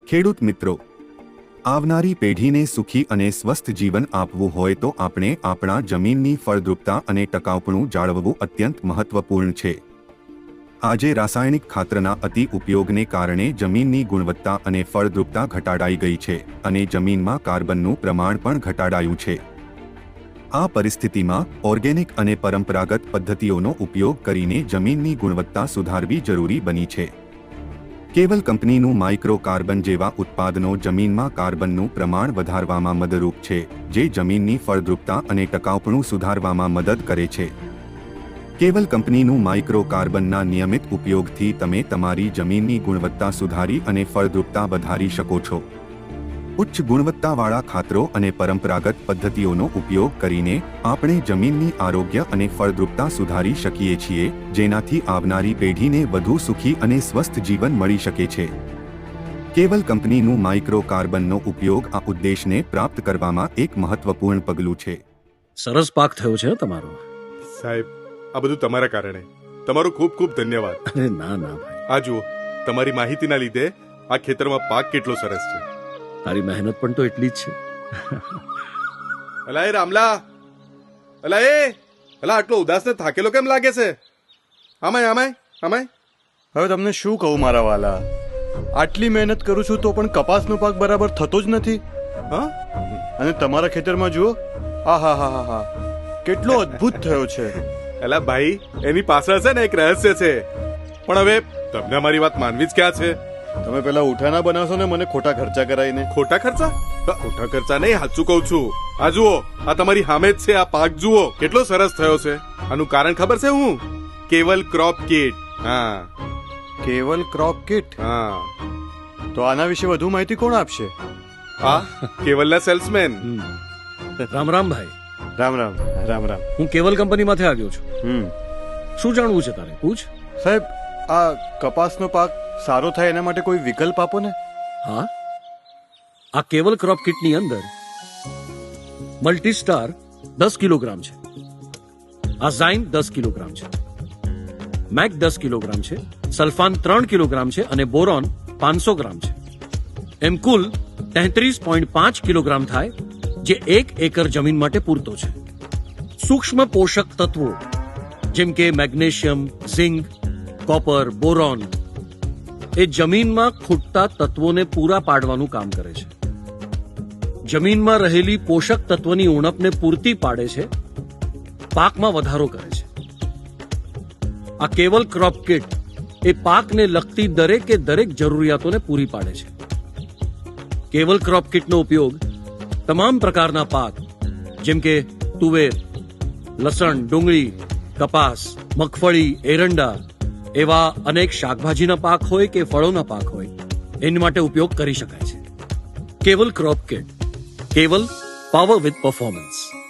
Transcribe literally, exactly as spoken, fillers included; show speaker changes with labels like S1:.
S1: ખેડૂત મિત્રો, આવનારી પેઢીને સુખી અને સ્વસ્થ જીવન આપવું હોય તો આપણે આપણા જમીનની ફળદ્રુપતા અને ટકાઉપણું જાળવવું અત્યંત મહત્વપૂર્ણ છે. આજે રાસાયણિક ખાતરના અતિ ઉપયોગને કારણે જમીનની ગુણવત્તા અને ફળદ્રુપતા ઘટાડાઈ ગઈ છે અને જમીનમાં કાર્બનનું પ્રમાણ પણ ઘટાડાયું છે. આ પરિસ્થિતિમાં ઓર્ગેનિક અને પરંપરાગત પદ્ધતિઓનો ઉપયોગ કરીને જમીનની ગુણવત્તા સુધારવી જરૂરી બની છે. કેવલ કંપનીનું માઇક્રો કાર્બન જેવા ઉત્પાદનો જમીનમાં કાર્બનનું પ્રમાણ વધારવામાં મદદરૂપ છે, જે જમીનની ફળદ્રુપતા અને ટકાઉપણું સુધારવામાં મદદ કરે છે. કેવલ કંપનીનું માઇક્રો કાર્બનના નિયમિત ઉપયોગથી તમે તમારી જમીનની ગુણવત્તા સુધારી અને ફળદ્રુપતા વધારી શકો છો. ઉચ્ચ ગુણવત્તાવાળા ખાતરો અને પરંપરાગત પદ્ધતિઓનો ઉપયોગ કરીને આપણે જમીનની આરોગ્ય અને ફળદ્રુપતા સુધારી શકીએ છીએ, જેનાથી આવનારી પેઢીને વધુ સુખી અને સ્વસ્થ જીવન મળી શકે છે. કેવલ કંપનીનું માઇક્રો કાર્બનનો ઉપયોગ આ ઉદ્દેશને પ્રાપ્ત કરવામાં એક મહત્વપૂર્ણ પગલું છે.
S2: સરસ પાક થયો છે તમારો.
S3: સાહેબ, આ બધું તમારા કારણે. તમારો ખૂબ ખૂબ ધન્યવાદ.
S2: અરે ના ના ભાઈ,
S3: આ જુઓ, તમારી માહિતીના લીધે આ ખેતરમાં પાક કેટલો સરસ છે.
S2: તારી મહેનત પણ તો એટલી જ છે.
S3: અલા એ રામલા, અલા એ અલા આટલો ઉદાસ ને થાકેલો કેમ લાગે છે? આમાય આમાય આમાય.
S4: હવે તમને શું કહું મારા વાલા, આટલી મહેનત કરું છું તો પણ કપાસનો પાક બરાબર થતો જ નથી. હા, અને તમારા ખેતરમાં જુઓ, આ હા હા હા હા કેટલો અદ્ભુત થયો છે.
S3: અલા ભાઈ, એની પાછળ છે ને એક રહસ્ય છે, પણ હવે તમને અમારી વાત માનવી જ ક્યાં છે?
S4: તમે પેલા ઉઠાના બનાવશો ને મને ખોટા ખર્ચા કરાવીને.
S3: ખોટા ખર્ચા? ખોટા ખર્ચા નહીં, સાચું કહું છું. આ જુઓ, આ તમારી સામે જ છે. આ પાક જુઓ કેટલો સરસ થયો છે. આનું કારણ ખબર છે? હું કેવલ ક્રોપ કીટ. હા,
S4: કેવલ ક્રોપ કીટ.
S3: હા.
S4: તો આના વિશે વધુ માહિતી કોણ આપશે?
S3: હા, કેવલના સેલ્સમેન.
S2: રામ રામ ભાઈ.
S4: રામ રામ રામ રામ.
S2: હું કેવલ કંપનીમાંથી આવ્યો છું.
S4: હમ
S2: શું જાણવું છે તારે? પૂછ.
S4: સાહેબ, આ કપાસનો પાક સારો થાય એના માટે કોઈ વિકલ્પ આપો ને.
S2: હા, આ કેવલ ક્રોપ કિટની અંદર મલ્ટીસ્ટાર દસ કિલોગ્રામ છે, આઝાઇન દસ કિલોગ્રામ છે, મેક દસ કિલોગ્રામ છે, સલ્ફાન ત્રણ કિલોગ્રામ છે અને બોરોન પાંચસો ગ્રામ છે. એમ કુલ તેત્રીસ પોઈન્ટ પાંચ કિલોગ્રામ થાય, જે એક એકર જમીન માટે પૂરતો છે. સૂક્ષ્મ પોષક તત્વો જેમ કે મેગ્નેશિયમ, ઝિંક, કોપર, બોરોન એ જમીનમાં ખૂટતા તત્વોને પૂરા પાડવાનું કામ કરે છે. જમીનમાં રહેલી પોષક તત્વની ઉણપને પૂર્તિ પાડે છે, પાકમાં વધારો કરે છે. આ કેવલ ક્રોપ કિટ એ પાકને લગતી દરેકે દરેક જરૂરિયાતોને પૂરી પાડે છે. કેવલ ક્રોપ કિટનો ઉપયોગ તમામ પ્રકારના પાક જેમ કે તુવેર, લસણ, ડુંગળી, કપાસ, મગફળી, એરંડા એવા અનેક શાકભાજીના પાક હોય કે ફળોના પાક હોય એની માટે ઉપયોગ કરી શકાય છે. Keval crop kit, Keval power with performance.